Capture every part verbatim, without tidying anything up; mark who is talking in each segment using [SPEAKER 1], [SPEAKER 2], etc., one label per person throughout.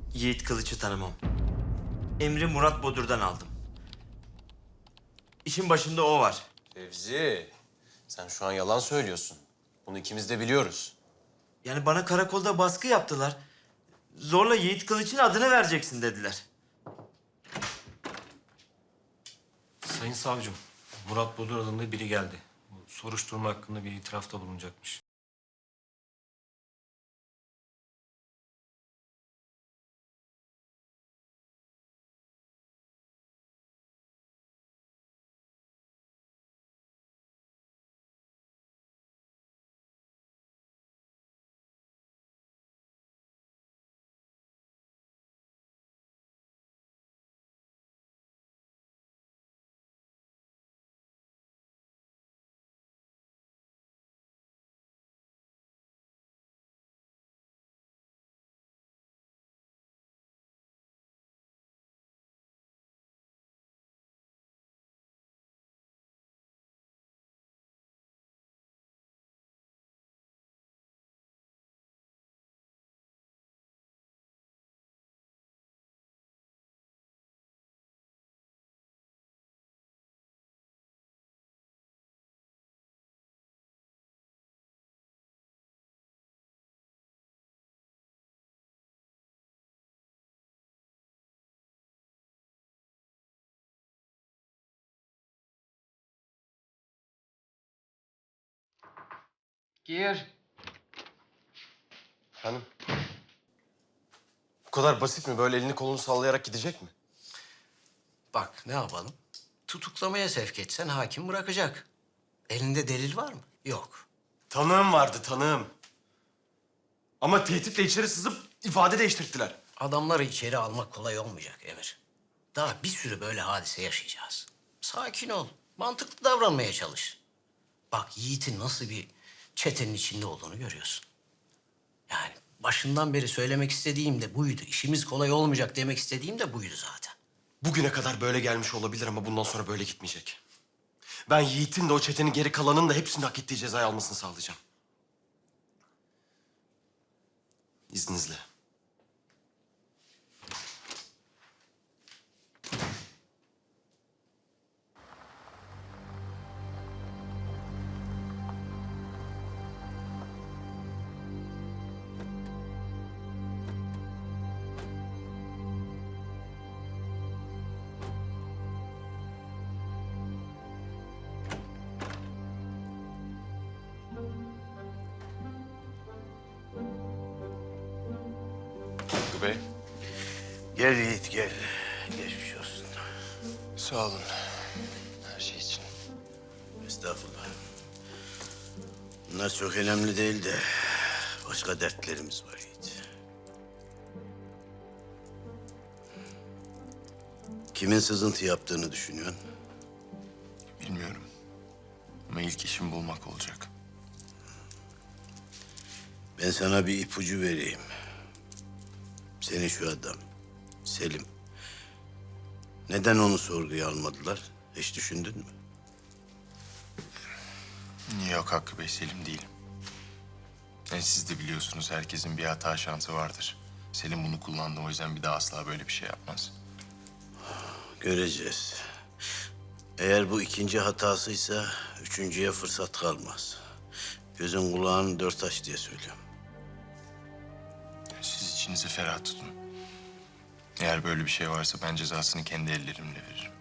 [SPEAKER 1] Yiğit Kılıç'ı tanımam. Emri Murat Bodur'dan aldım. İşin başında o var.
[SPEAKER 2] Fevzi, sen şu an yalan söylüyorsun. Bunu ikimiz de biliyoruz.
[SPEAKER 1] Yani bana karakolda baskı yaptılar. Zorla Yiğit Kılıç'ın adını vereceksin dediler.
[SPEAKER 3] Sayın savcım, Murat Bodur adında biri geldi. Bu soruşturma hakkında bir itirafta bulunacakmış.
[SPEAKER 4] Gir.
[SPEAKER 2] Efendim? Bu kadar basit mi? Böyle elini kolunu sallayarak gidecek mi?
[SPEAKER 4] Bak ne yapalım? Tutuklamaya sevk etsen hakim bırakacak. Elinde delil var mı? Yok.
[SPEAKER 2] Tanığım vardı, tanığım. Ama tehditle içeri sızıp ifade değiştirttiler.
[SPEAKER 4] Adamları içeri almak kolay olmayacak Emir. Daha bir sürü böyle hadise yaşayacağız. Sakin ol. Mantıklı davranmaya çalış. Bak Yiğit'in nasıl bir çetenin içinde olduğunu görüyorsun. Yani başından beri söylemek istediğim de buydu. İşimiz kolay olmayacak demek istediğim de buydu zaten.
[SPEAKER 2] Bugüne kadar böyle gelmiş olabilir ama bundan sonra böyle gitmeyecek. Ben Yiğit'in de o çetenin geri kalanının da hepsinin hak ettiği cezayı almasını sağlayacağım. İzninizle. Hakkı Bey.
[SPEAKER 5] Gel Yiğit gel. Geçmiş olsun.
[SPEAKER 2] Sağ olun. Her şey için.
[SPEAKER 5] Estağfurullah. Bunlar çok önemli değil de başka dertlerimiz var Yiğit. Kimin sızıntı yaptığını düşünüyorsun?
[SPEAKER 6] Bilmiyorum. Ama ilk işim bulmak olacak.
[SPEAKER 5] Ben sana bir ipucu vereyim. Senin şu adam, Selim. Neden onu sorguya almadılar? Hiç düşündün mü?
[SPEAKER 6] Yok Hakkı Bey, Selim değil. E, siz de biliyorsunuz herkesin bir hata şansı vardır. Selim bunu kullandı, o yüzden bir daha asla böyle bir şey yapmaz.
[SPEAKER 5] Göreceğiz. Eğer bu ikinci hatasıysa üçüncüye fırsat kalmaz. Gözün kulağın dört aç diye söylüyorum.
[SPEAKER 6] Siz içinizi ferah tutun. Eğer böyle bir şey varsa ben cezasını kendi ellerimle veririm.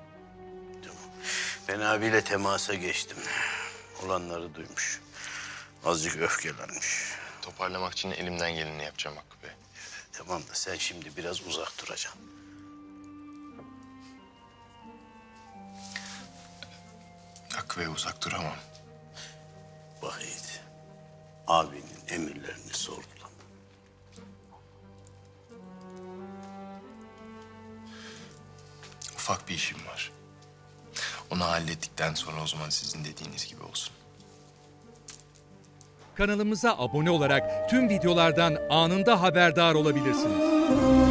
[SPEAKER 5] Ben abiyle temasa geçtim. Olanları duymuş. Azıcık öfkelenmiş.
[SPEAKER 6] Toparlamak için elimden geleni yapacağım Hakkı Bey.
[SPEAKER 5] Tamam da sen şimdi biraz uzak duracaksın.
[SPEAKER 6] Hakkı Bey, uzak duramam.
[SPEAKER 5] Bak Yiğit, abinin emirlerini sorgulama.
[SPEAKER 6] Ufak bir işim var. Onu hallettikten sonra o zaman sizin dediğiniz gibi olsun.
[SPEAKER 7] Kanalımıza abone olarak tüm videolardan anında haberdar olabilirsiniz.